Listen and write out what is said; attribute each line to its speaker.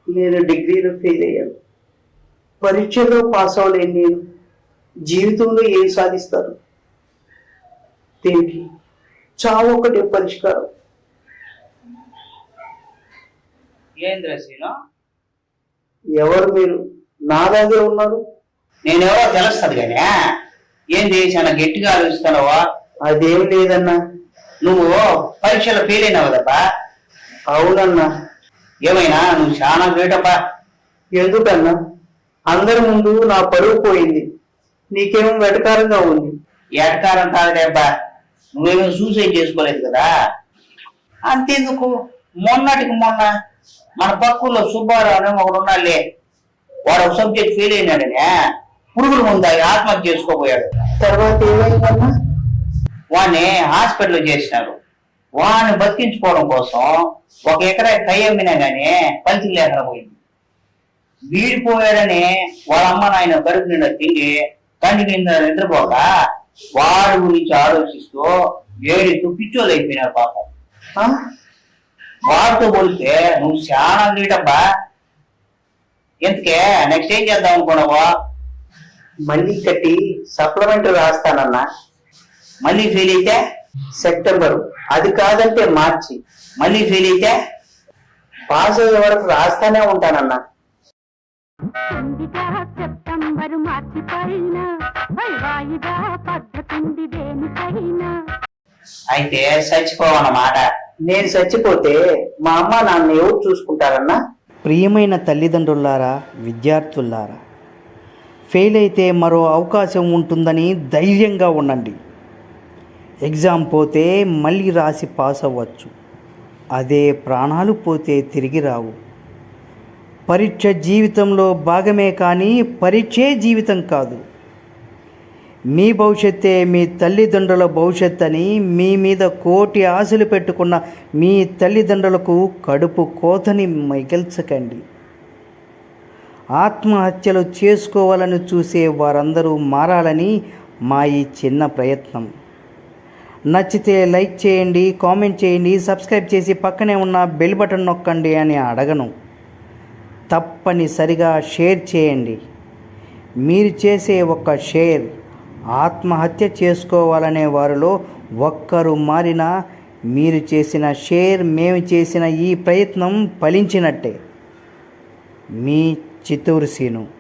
Speaker 1: నేను డిగ్రీలో ఫెయిల్ అయ్యాను. పరీక్షలో పాస్ అవ్వలేను. నేను జీవితంలో ఏం సాధిస్తారు? దీనికి చావు ఒకటే పరిష్కారం.
Speaker 2: ఏంద్ర శ్రీను,
Speaker 1: ఎవరు మీరు? నా దగ్గర ఉన్నారు.
Speaker 2: నేనెవరో తెలుస్తుంది కానీ ఏంది చాలా గట్టిగా ఆలోచిస్తున్నావా?
Speaker 1: అదేం లేదన్నా.
Speaker 2: నువ్వు పరీక్షలో ఫెయిల్ అయినావు కదబ్బా.
Speaker 1: అవునన్నా.
Speaker 2: ఏమైనా నువ్వు చాలా గ్రేటబ్బా.
Speaker 1: ఎందుకన్నా? అందరి ముందు నా పరువు పోయింది. నీకేమో వెటకారంగా ఉంది.
Speaker 2: ఎటకారం కాదులే అబ్బా, నువ్వేమో సూసైడ్ చేసుకోలేదు కదా. అంతేందుకు, మొన్నటికి మొన్న మన పక్కల్లో సుబ్బారావు అనే ఒకడు ఉన్నాడులే, వాడు ఒక సబ్జెక్ట్ ఫెయిల్ అయినాడనే పురుగుల ముందు ఆత్మహత్య చేసుకోపోయాడు.
Speaker 1: తర్వాత ఏమైందన్నా?
Speaker 2: వాడిని హాస్పిటల్ చేసినారు. వాడిని బతికించుకోవడం కోసం 1 ఎకరా కై అమ్మినా గానీ ఫలితం లేకుండా పోయింది. వీడిపోయాడని వాళ్ళ అమ్మ నాయన కడుపు నిండా తిండి కంటి కింద నిద్రపోక వాడి గురించి ఆలోచిస్తూ ఏడుస్తూ పిచ్చోళ్ళు అయిపోయినారు పాపం. వాడితో పోలిస్తే నువ్వు చాలా గ్రేటబ్బా. ఎందుకే నెక్స్ట్ ఏం చేద్దాం అనుకున్నావా?
Speaker 1: మళ్ళీ కట్టి సప్లిమెంటరీ రాస్తానన్నా.
Speaker 2: మళ్ళీ ఫెయిల్ అయితే
Speaker 1: సెప్టెంబరు, అది కాదంటే మార్చి.
Speaker 2: మళ్ళీ ఫెయిల్ అయితే
Speaker 1: పాస్ అయ్యే వరకు రాస్తానే ఉంటానన్నా.
Speaker 3: సెప్టెంబరు మార్చి పైన వాయిదా పద్ధతుంది దేనికైనా.
Speaker 2: అయితే చచ్చిపోవన్నమాట.
Speaker 1: నేను చచ్చిపోతే మా అమ్మ నాన్న ఎవరు చూసుకుంటారన్నా?
Speaker 4: ప్రియమైన తల్లిదండ్రులారా, విద్యార్థులారా, ఫెయిల్ అయితే మరో అవకాశం ఉంటుందని ధైర్యంగా ఉండండి. ఎగ్జామ్ పోతే మళ్ళీ రాసి పాస్ అవ్వచ్చు. అదే ప్రాణాలు పోతే తిరిగి రావు. పరీక్ష జీవితంలో భాగమే కానీ పరీక్షే జీవితం కాదు. మీ భవిష్యత్తే మీ తల్లిదండ్రుల భవిష్యత్ అని మీ మీద కోటి ఆశలు పెట్టుకున్న మీ తల్లిదండ్రులకు కడుపు కోతని మిగల్చకండి. ఆత్మహత్యలు చేసుకోవాలని చూసే వారందరూ మారాలని మా ఈ చిన్న ప్రయత్నం. నచ్చితే లైక్ చేయండి, కామెంట్ చేయండి, సబ్స్క్రైబ్ చేసి పక్కనే ఉన్న బెల్ బటన్ నొక్కండి అని అడగను. తప్పనిసరిగా షేర్ చేయండి. మీరు చేసే ఒక షేర్ ఆత్మహత్య చేసుకోవాలనే వారిలో ఒక్కరు మారినా మీరు చేసిన షేర్, మేము చేసిన ఈ ప్రయత్నం ఫలించినట్టే. మీ చిత్తూరు సీను.